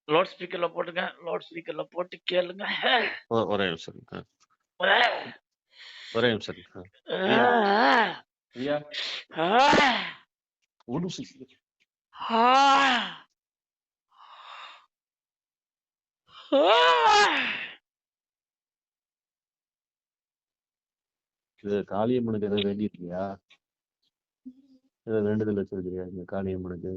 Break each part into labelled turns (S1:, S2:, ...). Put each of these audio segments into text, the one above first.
S1: Loud ஸ்பீக்கர்ல போட்டுங்க. Loud ஸ்பீக்கர்ல போட்டு கேளுங்க.
S2: ஒரே நிமிஷம் ஒரே நிமிஷம் பிரியா பிரியா ஒரு நிமிஷம் இது காளியம்மனுக்கு எதாவது வேண்டியிருக்கியா? ஏதாவது வேண்டுதல் வச்சிருக்கியா இந்த காளியம்மனுக்கு?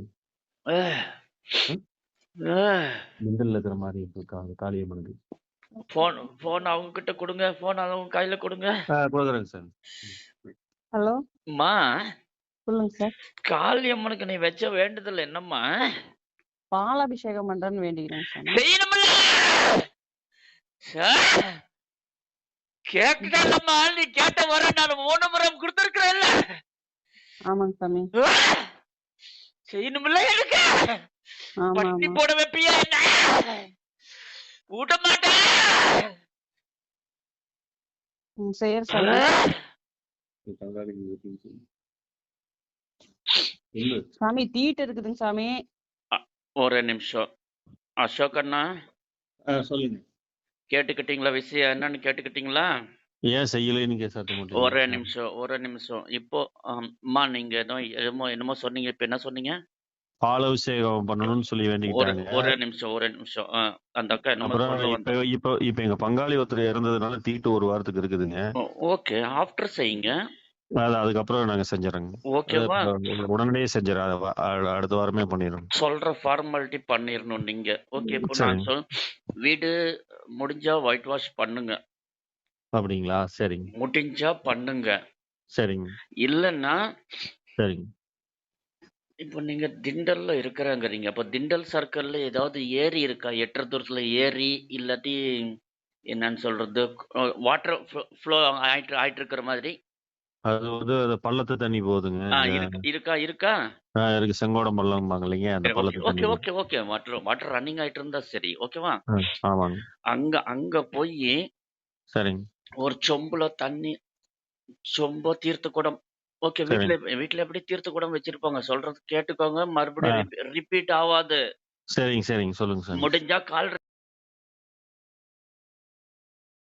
S2: மிண்டல் இருக்கிற மாதிரி இருக்காங்க காளியம்மனுக்கு.
S1: போன் அவங்க கிட்ட கொடுங்க. போன் அவங்க கையில கொடுங்க.
S2: கொடுக்குறேங்க சார்.
S3: ஹலோ
S1: அம்மா,
S3: சொல்லுங்க சார்.
S1: காளியம்மனுக்கு நீ வச்ச வேண்டுதல் என்னம்மா?
S3: பாலாபிஷேகம் பண்றேன்னு வேண்டிக்கிறேன் சாமி.
S1: செய்யணும்ல சார். கேட்டுட்டேன்லம்மா, நீ கேட்ட வர நான் 3 முறை கொடுத்துருக்கிறேன்ல.
S3: ஆமாங்க சாமி.
S1: செய்யணும்ல எனக்கு.
S3: ஆமா
S1: பட்டி
S3: ஆமா
S1: போட வைப்பியா என்ன? ஊட்ட மாட்டேன்.
S3: செய்யற சாமி. சாமி தீட்டு இருக்குதுங்க சாமி.
S1: ஒரு நிமிஷம் அசோக் அண்ணா,
S2: சொல்லுங்க.
S1: கேட்டுக்கிட்டீங்களா? விஷயம் என்னன்னு கேட்டுக்கிட்டீங்களா?
S2: ஏன் செய்யலைன்னு சாத்த மட்டும்.
S1: ஒரு நிமிஷம் இப்போ அம்மா, நீங்க என்னமோ சொன்னீங்க. இப்ப என்ன சொன்னீங்க?
S2: பாலாபிஷேகம் பண்ணணும்னு சொல்லி வேண்டிக்கிட்டாங்க.
S1: ஒரு நிமிஷம் அந்த அக்கா என்னமோ
S2: அப்புறம்
S1: சொல்ல
S2: இப்ப இப்ப இப்ப எங்க பங்காளி ஒருத்தர் இறந்ததுனால தீட்டு 1 வாரத்துக்கு இருக்குதுங்க.
S1: ஓகே, ஆஃப்டர் செய்யுங்க.
S2: அதுக்கப்புறம் நாங்க செஞ்சிடறோங்க.
S1: ஓகேவா?
S2: உடனடியே செஞ்சிடறோம். அடுத்த வாரமே பண்ணிடுறோம்.
S1: சொல்ற ஃபார்மாலிட்டி பண்ணிடணும் நீங்க. ஓகே, இப்போ நான் வீடு முடிஞ்சா ஒயிட் வாஷ் பண்ணுங்க.
S2: அப்படிங்களா? சரிங்க.
S1: முடிஞ்சா பண்ணுங்க.
S2: சரிங்க.
S1: இல்லன்னா
S2: சரிங்க.
S1: இப்போ நீங்க திண்டல்ல இருக்கிறாங்கிறீங்க. அப்ப திண்டல் சர்க்கிள்ல ஏதாவது ஏரி இருக்கா? எட்டரை தூரத்துல ஏரி, இல்லாட்டி என்னன்னு சொல்றது, வாட்டர் ஃப்ளோ ஆயிட்டு இருக்கிற மாதிரி?
S2: அது அது பள்ளத்து தண்ணி போகுதுங்க.
S1: இருக்கா?
S2: இருக்கு. செங்கோடம் பள்ளம்பாங்க இல்லைங்க, அந்த பள்ளத்து தண்ணி.
S1: ஓகே. வாட்டர் ரன்னிங் ஆயிட்டு இருந்தா சரி. ஓகேவா?
S2: ஆமாங்க.
S1: அங்க போய்
S2: சரிங்க.
S1: ஒரு சொம்போ தீர்த்த குடம். ஓகே, வீட்டுல எப்படி தீர்த்த குடம் வச்சிருப்பாங்க, சொல்றது கேட்டுக்கோங்க. மறுபடியும் ரிப்பீட் ஆகாது.
S2: சரிங்க. சொல்லுங்க சார்.
S1: முடிஞ்சா கால்